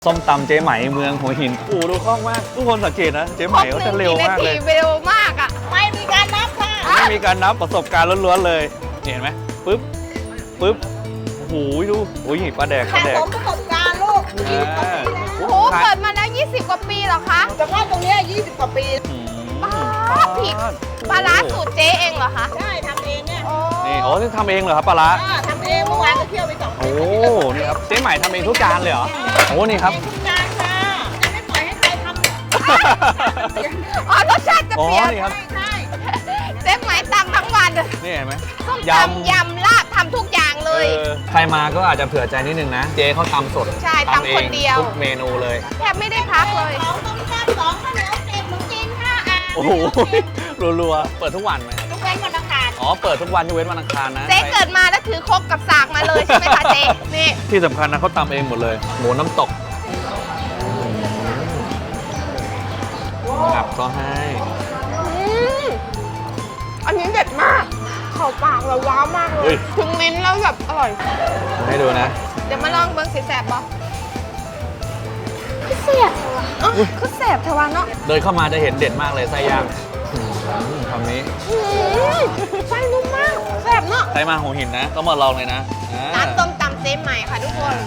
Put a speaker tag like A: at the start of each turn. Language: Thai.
A: ส้มตำเจ๊ไหมเมืองหัวหินโอ้ดูคล่องมากทุกคนสังเกตนะเจ๊ไหมเขาจะเร็วมากเลย
B: เร็วมากอ่ะ
C: ไม่มีการนับค่ะ
A: ไม่มีการนับประสบการณ์ล้วนๆเลยเห็นไหมปึ๊บปึ๊บโอ้โหดูโอ้ยปลาแดกป
C: สะ
A: ลาแด
C: ส
A: ก
C: มประสบการณ์ลูก20 กว่าปีแล้ว
B: โอ้โหเปิดมาแล้ว20 กว่าปีเหรอคะ
C: เฉพาะตรงเนี้ย20 กว่าปี
A: อืม
B: ผิดปลาร้าสูตรเจ๊เองเหรอคะ
C: ใช่ทำเองเนี่ย
B: โอ้
A: นี่โอ้ที่ทำเองเหรอครับปลาร้า
C: ทำเองเมื่อวานก็เที่ยวไป2
A: โอ้นี่ครับเจ๊ไหมทำเองทุกจานเลยเหรอโอ้นี่ครับ
C: ทุกจานค่ะจะไม่ปล่อยให้ใครทำ
B: อ๋อรสชาติจะ
A: อ๋อ
B: เปลี่ยน
A: นี่ครับ
C: ใช่
B: เจ๊ไหมตำทั้งวัน
A: นี่เห็นไหม
B: ส้มตำยำลาบทำทุกอย่างเลย
A: ใครมาก็อาจจะเผื่อใจนิดนึงนะ เจ๊เขาตำสด
B: ใช่ตำคนเดียว
A: ทุกเมนูเลย
B: แทบไม่ได้พักเลย
C: 2ต้มแซ่บ2ข้าวเหนียว7ขนมจีน5
A: โอ้โหรัวๆเปิดทุกวันไหมครับ
C: ทุกวันวันอังคาร
A: อ๋อเปิดทุกวันยกเว้นวันอังคารนะ
B: เจ๊เกิดมาแล้วถือครกกับสากมาเลยใช่ไหมคะเจ๊นี่
A: ที่สำคัญนะเขาตำเองหมดเลย หมูน้ำตกงับก็ให้
B: อันนี้เด็ดมากเข้าปากเราว้าวมากเล
A: เฮ้
B: ย
A: ย
B: ถึงลิ้นแล้วแบบอร่อย
A: ให้ดูนะ
B: เดี๋ยวมาลองเบิ้งสีแสบบ่คือแสบเถอะวะคือแสบเถอะวะเนาะ
A: เดินเข้ามาจะเห็นเด่นมากเลยไส้ย่างคำนี้
B: ไส้นุ่มมากแสบเนาะ
A: ใครมาหัวหินนะต้องมาลองเลยนะอ่า
B: ร้านต้มตำเจ๊ใหม่ค่ะทุกคน